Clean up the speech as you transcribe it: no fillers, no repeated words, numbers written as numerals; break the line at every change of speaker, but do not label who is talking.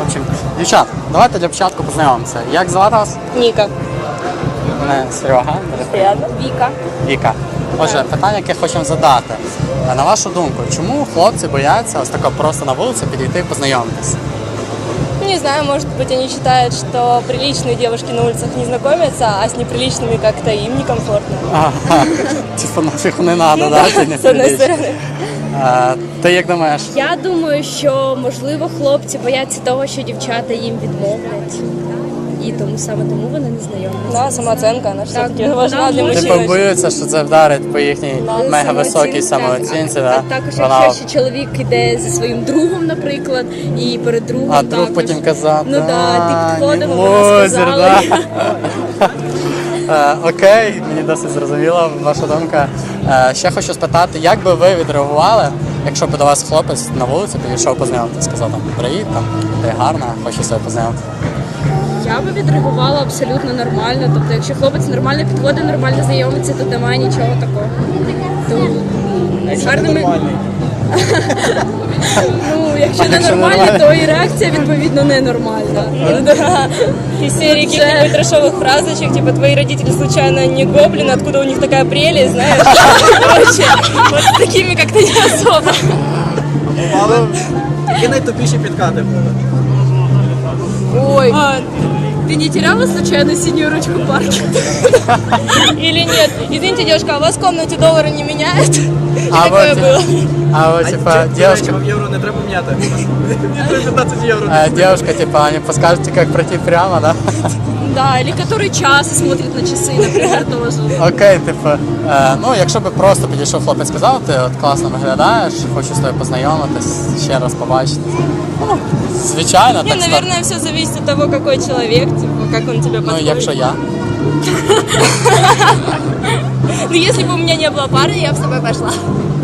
В общем, дівчат, давайте для початку познайомимося. Як звати вас?
Ніка.
Мене Серега.
Приятно. Віка.
Віка. Отже, питання, яке хочемо задати. На вашу думку, чому хлопці бояться ось тако просто на вулиці підійти і познайомитися?
Не знаю, может быть, они считают, что приличные девушки на улицах не знакомятся, а с неприличными как-то им некомфортно.
Ага, типу нафіг не треба, да?
З однієї сторони.
Ти як думаєш?
Я думаю, що можливо хлопці бояться того, що дівчата їм відмовлять. І тому вони не знайомляться.
Да, самооценка, она все-таки
Так,
важна для
да,
Типу
мужчин.
боються, що це вдарить по їхній мега високій самооцінці, да?
Також,
Вона-
якщо ще чоловік іде зі своїм другом, наприклад, і перед другом
А друг
також.
потім казав,
Ну да, ти підходив,
не
вона
лузер,
сказала.
да. Окей, мені досить зрозуміла ваша думка. Ще хочу спитати, як би ви відреагували, якщо б до вас хлопець на вулиці підійшов познайомитися, сказав там привіт, там ти гарна, хочу себе познайомити.
Я би відреагувала абсолютно нормально. Тобто, якщо хлопець нормально підходить, нормально знайомиться, то немає нічого такого. То гарними... Ну, якщо не
якщо
нормально,
нормально?
то і реакція відповідно ненормальна.
Да. Из серии каких-нибудь трешовых фразочек, типа твои родители случайно не гоблины, откуда у них такая прелесть, знаешь? Короче, вот с такими как-то не особо.
Але які найтупіші підкати були?
Ой, ты не теряла случайно синюю ручку в парке?
Или нет? Извините, девушка, а у вас в комнате доллары не меняют?
А
Такое
вот,
было.
а вот, типа, девушка,
Вам євро не треба міняти. Мені треба 15 євро.
девушка, типа, не подскажете, как пройти прямо, да?
Да, или который час и смотрит на часы, например, тоже.
Окей, типу, ну якщо би просто підійшов хлопець, сказав, ти от класно виглядаєш, хочу з тобою познайомитись, ще раз побачити. Ну, звичайно,
Не,
так
наверное, все зависит от того, какой человек, типа, как он тебе
Ну,
подходит.
якщо я.
Ну, если бы у меня не было пары, я бы с тобой пошла.